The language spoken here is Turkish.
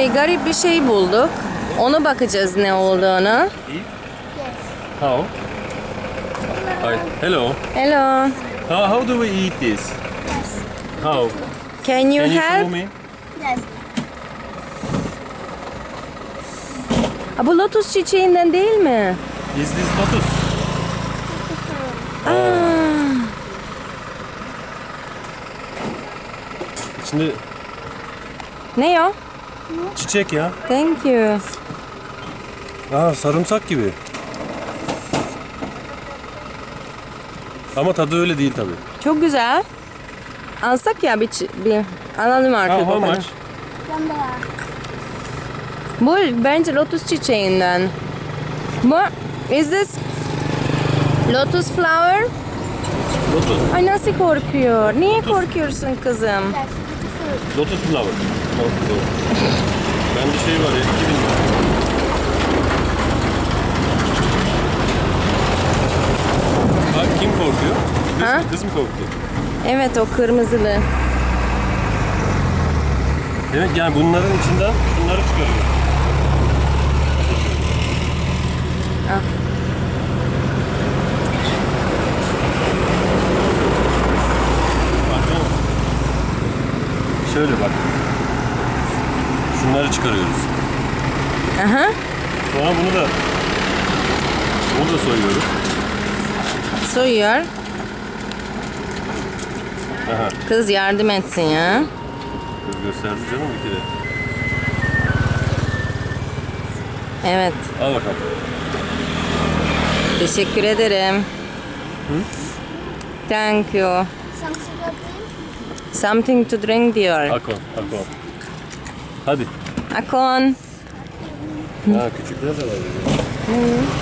Şimdi garip bir şey bulduk. Ona bakacağız ne olduğunu. Eat? How? Hi. Hello. Hello. How do we eat this? How? Can you Can you show help? me? Yes. Aa, bu lotus çiçeğinden değil mi? Is this lotus? İçinde Ne o? çiçek ya. Thank you. Sarımsak gibi. Ama tadı öyle değil tabii. Çok güzel. Alsak ya bir alalım artık. How o kadar. much? Bu bence lotus çiçeğinden. Bu is this lotus flower? Lotus. Ay nasıl korkuyor? Niye korkuyorsun kızım? Yes. Lotus flower. Bende şey var ya 2000 lira. Bak kim korkuyor? Kız, Ha? kız mı korktu? Evet o kırmızılı. Demek yani bunların içinden bunları çıkarıyor. Ah. Baksana. Şöyle bak. Şunları çıkarıyoruz. Aha. Sonra bunu da soyuyoruz. Soyuyor. Aha. Kız yardım etsin ya. Kız gösterdi canım bir kere. Evet. Al bakalım. Teşekkür ederim. Thank you. Something to drink diyor. Akon. Akon. Ha küçükler de var.